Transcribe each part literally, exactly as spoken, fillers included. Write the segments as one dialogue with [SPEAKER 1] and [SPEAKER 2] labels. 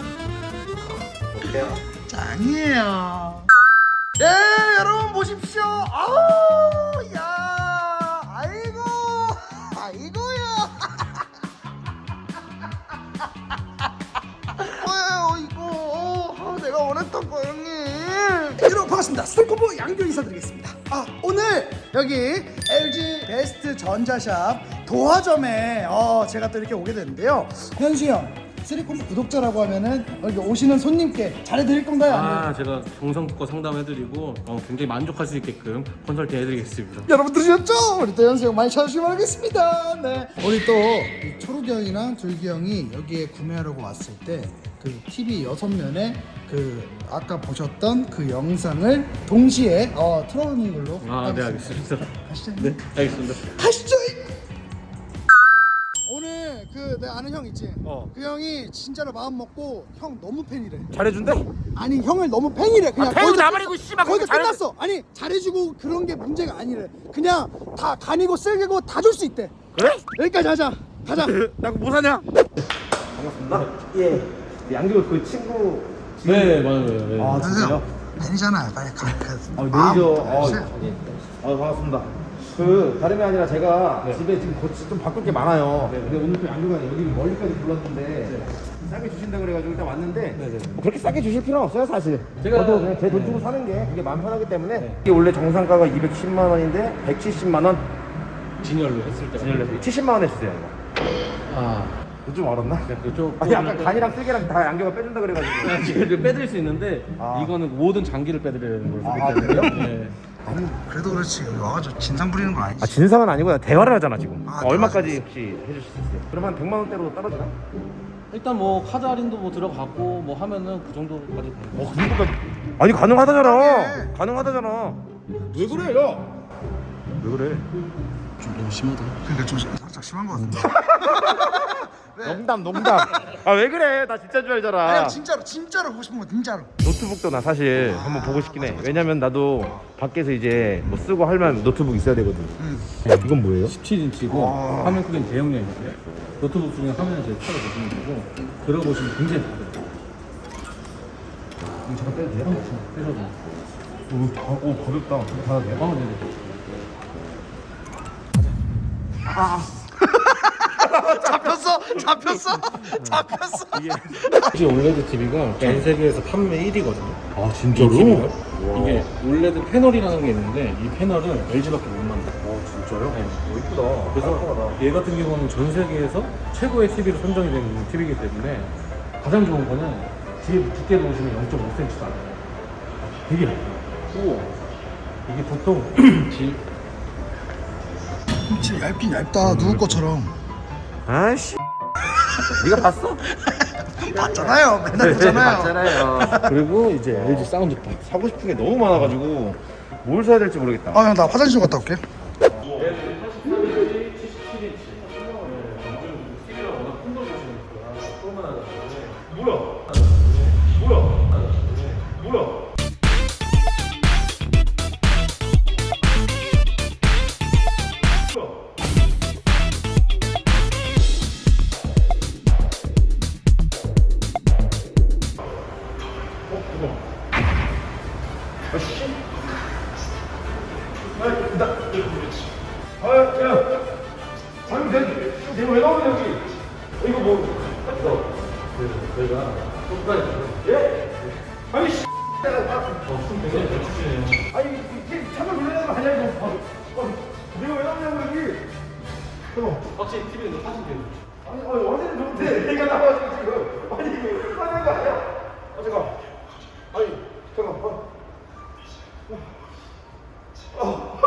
[SPEAKER 1] 어때요?
[SPEAKER 2] 짱이에요. 예, 여러분 보십시오. 아우, 야, 아이고, 아이고야. 어, 이거, 어, 내가 원했던 거 형님. 여러분 반갑습니다. 스테콤보 양교 인사드리겠습니다. 아, 오늘 여기 엘지 베스트 전자샵 도화점에 어, 제가 또 이렇게 오게 됐는데요. 현수 형, 쓰리콤보 구독자라고 하면은 여기 오시는 손님께 잘해드릴 건가요? 아니면
[SPEAKER 3] 아, 제가 정성껏 상담해드리고 어, 굉장히 만족할 수 있게끔 컨설팅 해드리겠습니다.
[SPEAKER 2] 여러분 들으셨죠? 우리 또 현수 형 많이 찾아주시면 하겠습니다. 네. 우리 또 이 초록이 형이랑 둘기 형이 여기에 구매하려고 왔을 때 그 티비 여섯 면에 그 아까 보셨던 그 영상을 동시에 어, 틀어놓는 걸로
[SPEAKER 3] 아, 네,
[SPEAKER 2] 하겠습니다.
[SPEAKER 3] 알겠습니다.
[SPEAKER 2] 가시죠.
[SPEAKER 3] 네, 알겠습니다.
[SPEAKER 2] 가시죠. 오늘 그 내 아는 형 있지?
[SPEAKER 1] 어.
[SPEAKER 2] 그 형이 진짜로 마음 먹고 형 너무 팬이래.
[SPEAKER 1] 잘해준대?
[SPEAKER 2] 아니 형을 너무 팬이래. 그냥
[SPEAKER 1] 아, 팬이
[SPEAKER 2] 거기서
[SPEAKER 1] 나발이고,
[SPEAKER 2] 끝-
[SPEAKER 1] 씨발,
[SPEAKER 2] 거기서
[SPEAKER 1] 그렇게 잘해-
[SPEAKER 2] 끝났어. 아니 잘해주고 그런 게 문제가 아니래. 그냥 다 간이고 쓸개고 다 줄 수 있대.
[SPEAKER 1] 그래?
[SPEAKER 2] 여기까지 하자. 가자.
[SPEAKER 1] 나 그거 뭐 사냐? 반갑습니다. 예. 양교 그 친구.
[SPEAKER 3] 네, 맞아요. 네.
[SPEAKER 1] 아, 진짜요?
[SPEAKER 2] 팬이잖아. 빨리 가. 가.
[SPEAKER 1] 아, 매니저. 어, 예. 아, 반갑습니다. 그 다름이 아니라 제가
[SPEAKER 3] 네.
[SPEAKER 1] 집에 지금 고치 좀 바꿀 게 많아요.
[SPEAKER 3] 네.
[SPEAKER 1] 근데 오늘 또 양교가 여기 멀리까지 불렀는데 싸게 주신다 그래가지고 일단 왔는데
[SPEAKER 3] 네, 네.
[SPEAKER 1] 뭐 그렇게 싸게 주실 필요는 없어요 사실.
[SPEAKER 3] 제가-
[SPEAKER 1] 저도 그냥 제 돈
[SPEAKER 3] 네.
[SPEAKER 1] 주고 사는 게 그게 마음 편하기 때문에
[SPEAKER 3] 네.
[SPEAKER 1] 이게 원래 정상가가 이백십만 원인데 백칠십만 원
[SPEAKER 3] 진열로 했을 때.
[SPEAKER 1] 진열로 칠십만 원 했어요. 이거.
[SPEAKER 3] 아,
[SPEAKER 1] 좀 얼었나?
[SPEAKER 3] 그쪽.
[SPEAKER 1] 아니 약간 간이랑 쓸개랑 다 양교가 빼준다 그래가지고.
[SPEAKER 3] 지금 빼드릴 수 있는데
[SPEAKER 1] 아.
[SPEAKER 3] 이거는 모든 장기를 빼드리는 걸로
[SPEAKER 1] 아,
[SPEAKER 3] 보기 때문에.
[SPEAKER 1] 그래요?
[SPEAKER 3] 네.
[SPEAKER 2] 아니 그래도 그렇지. 여기 와가지고 진상 부리는 건 아니지.
[SPEAKER 1] 아 진상은 아니고 대화를 하잖아 지금.
[SPEAKER 2] 아,
[SPEAKER 1] 얼마까지 혹시 해주실 수 있어요? 그럼 한 백만 원대로 떨어지나?
[SPEAKER 3] 일단 뭐 카드 할인도 뭐 들어가고 뭐 하면은 그 정도까지 되는 거.
[SPEAKER 1] 어, 그 정도까지. 아니 가능하다잖아.
[SPEAKER 2] 네.
[SPEAKER 1] 가능하다잖아. 왜 그래, 야? 왜 그래?
[SPEAKER 3] 좀 너무 심하다.
[SPEAKER 2] 그러니까 좀 살짝 심한 것 같은데.
[SPEAKER 1] 농담, 농담. 아 왜 그래? 나 진짜 줄 알잖아.
[SPEAKER 2] 아니 진짜로 진짜로 보고 싶은 거 진짜로.
[SPEAKER 1] 노트북도 나 사실 한번 보고 싶긴 해. 왜냐면 나도 밖에서 이제 뭐 쓰고 하려면 노트북 있어야 되거든.
[SPEAKER 2] 응.
[SPEAKER 1] 이건 뭐예요?
[SPEAKER 3] 십칠 인치고
[SPEAKER 2] 와.
[SPEAKER 3] 화면 크기는 대용량이고요. 노트북 중에 화면을 제일 차로 보시면 되고 들어보시면 굉장히 가벼워요.
[SPEAKER 1] 이거 잠깐 빼도 돼요?
[SPEAKER 3] 빼셔도 돼요.
[SPEAKER 1] 오, 가, 오 가볍다. 받아도 돼요?
[SPEAKER 3] 아, 네네.
[SPEAKER 2] 잡혔어, 잡혔어, 잡혔어.
[SPEAKER 3] 혹시 올레드 티비가 전 세계에서 판매 일 위거든요.
[SPEAKER 1] 아
[SPEAKER 3] 이게 올레드 패널이라는 게 있는데 이 패널은 엘지밖에 못 만들어.
[SPEAKER 1] 아 진짜요?
[SPEAKER 3] 네.
[SPEAKER 1] 오 이쁘다.
[SPEAKER 3] 그래서
[SPEAKER 1] 깔끔하다.
[SPEAKER 3] 얘 같은 경우는 전 세계에서 최고의 티비로 선정이 된 티비이기 때문에 가장 좋은 거는 뒤에 두께 보시면 영 점 오 센티미터도 안 돼요. 되게 얇아요.
[SPEAKER 1] 우와.
[SPEAKER 3] 이게 보통 지
[SPEAKER 2] 진짜 얇긴 얇다. 누구 것처럼.
[SPEAKER 1] 아이씨. 네가 봤어?
[SPEAKER 2] 봤잖아요. 맨날 보잖아요.
[SPEAKER 1] 봤잖아요.
[SPEAKER 3] 그리고 이제 엘지 사운드바.
[SPEAKER 1] 사고 싶은 게 너무 많아가지고 뭘 사야 될지 모르겠다.
[SPEAKER 2] 아 형 나 화장실 좀 갔다 올게.
[SPEAKER 1] 아, 야, 아니, 내, 내가 왜 나오냐, 여기? 어, 이거 뭐, 이거.
[SPEAKER 3] 저희가 소프트까지
[SPEAKER 1] 예? 아니, 씨.
[SPEAKER 3] 춤 굉장히 잘 추시네요.
[SPEAKER 1] 아니, 이게 참을 놀라는 거 아니야, 이거. 아, 아, 내가 왜 나오냐고, 여기. 잠깐
[SPEAKER 3] 확실히 티비는 사진 돼요.
[SPEAKER 1] 아니, 아니, 어제는 좋은데, 내가 나와가지고 지금. 아니, 이거 화낸 거 아니야? 아, 잠깐. 아니, 잠깐. 어. 어.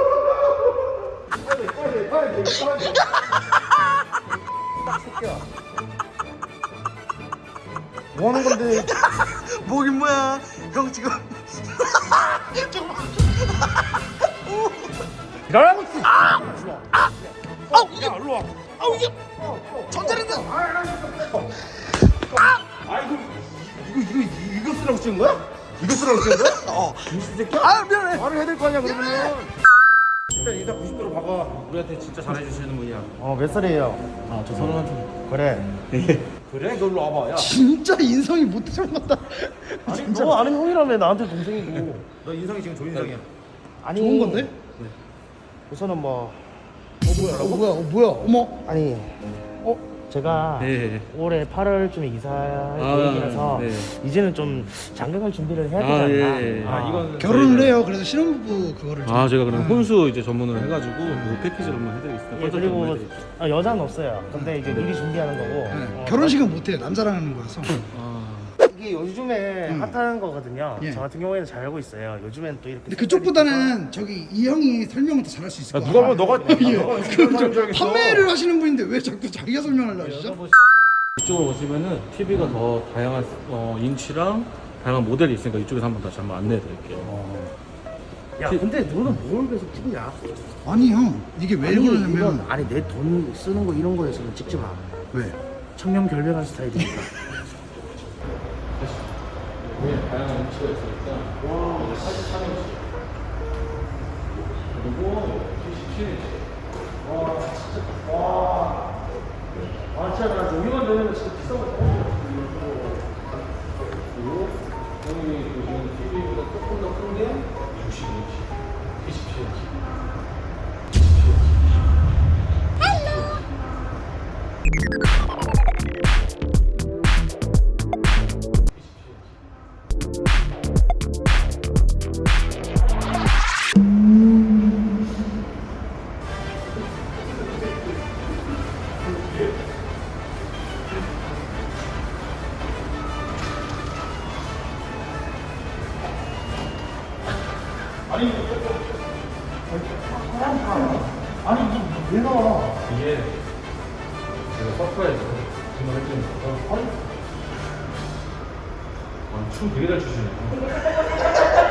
[SPEAKER 1] 빨리, 빨리, 빨리, 빨리. 새끼야. 뭐 하는 건데?
[SPEAKER 2] 뭐긴 뭐야? 형 지금 잠깐만.
[SPEAKER 1] 일어나고 있어.
[SPEAKER 2] 아우 이게 일로 와. 아우 이게 전자레인지.
[SPEAKER 1] 아 이거 이거 이거 이거 쓰라고 찍은 거야? 이거 쓰라고 찍은 거야?
[SPEAKER 2] 어.
[SPEAKER 1] 이 새끼야?
[SPEAKER 2] 아 미안해.
[SPEAKER 1] 말을 해야 될 거 아니야 그러면. 일단 인사 구십 도로 박아.
[SPEAKER 3] 우리한테 진짜 잘해주시는 분이야.
[SPEAKER 1] 어 몇 살이에요?
[SPEAKER 3] 아, 저 서른 한
[SPEAKER 1] 그래. 그래? 너 일로 와봐. 야.
[SPEAKER 2] 진짜 인성이 못 들어갔다.
[SPEAKER 4] 아니 너 아는 형이라며 나한테 동생이고.
[SPEAKER 1] 너 인상이 지금 조인상이야.
[SPEAKER 4] 아니
[SPEAKER 2] 좋은 건데?
[SPEAKER 4] 우선은 뭐
[SPEAKER 2] 어 뭐야? 어 뭐야? 어머.
[SPEAKER 4] 아니 어 제가
[SPEAKER 3] 네.
[SPEAKER 4] 올해 팔월쯤에 이사할
[SPEAKER 3] 아,
[SPEAKER 4] 계획이라서
[SPEAKER 3] 네.
[SPEAKER 4] 이제는 좀 장가갈 준비를 해야 되지
[SPEAKER 3] 아,
[SPEAKER 4] 않나.
[SPEAKER 3] 예, 예.
[SPEAKER 4] 아,
[SPEAKER 3] 아, 이건
[SPEAKER 2] 결혼을
[SPEAKER 3] 저희가-
[SPEAKER 2] 해요. 그래서 신혼부부 그거를. 좀-
[SPEAKER 3] 아, 제가 그럼 혼수 이제 전문을 해가지고 그 패키지로 한번 해드리겠습니다.
[SPEAKER 4] 예, 그리고 아, 여자는 없어요. 근데 이제 미리 준비하는 거고.
[SPEAKER 2] 네.
[SPEAKER 4] 어,
[SPEAKER 2] 결혼식은 못 해요. 남자랑 하는 거라서.
[SPEAKER 3] 아,
[SPEAKER 4] 이게 요즘에
[SPEAKER 2] 음.
[SPEAKER 4] 핫한 거거든요.
[SPEAKER 2] 예.
[SPEAKER 4] 저 같은 경우에는 잘 알고 있어요. 요즘엔 또 이렇게
[SPEAKER 2] 근데 그쪽보다는 저기 이 형이 설명을 더 잘할 수 있을
[SPEAKER 1] 야,
[SPEAKER 2] 것
[SPEAKER 1] 누가
[SPEAKER 2] 같아요.
[SPEAKER 1] 뭐 너가
[SPEAKER 2] 예.
[SPEAKER 1] 너가
[SPEAKER 2] 그 좀
[SPEAKER 1] 줄 알겠어.
[SPEAKER 2] 판매를 하시는 분인데 왜 자꾸 자기가 설명하려고 하시죠?
[SPEAKER 3] 이쪽으로 오시면은 티비가 더 다양한 어, 인치랑 다양한 모델이 있으니까 이쪽에서 한번 다시 한번 안내해드릴게요.
[SPEAKER 4] 야 근데 너는 뭘 계속 찍냐?
[SPEAKER 2] 아니 형 이게 왜
[SPEAKER 4] 아니,
[SPEAKER 2] 그러냐면
[SPEAKER 4] 이건 아니 내 돈 쓰는 거 이런 거에서는 찍지 마.
[SPEAKER 2] 왜?
[SPEAKER 4] 청렴 결백한 스타일이니까.
[SPEAKER 3] 네, 다양한 인치가 있으니까 와, 팔십삼 인치 그리고 칠십칠 인치.
[SPEAKER 4] 아 진짜 나 여기만 되면 진짜 비싼 거 사고
[SPEAKER 3] 그리고 여기 보시면 티비보다 조금 더 큰 게 육십 인치, 이십칠 인치.
[SPEAKER 4] 아니 이게 왜 나와?
[SPEAKER 3] 이게 제가 서프라이즈 정말 해주는 거고. 아니, 아, 춤 되게 잘 추시네요.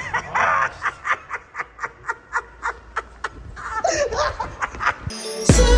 [SPEAKER 2] 술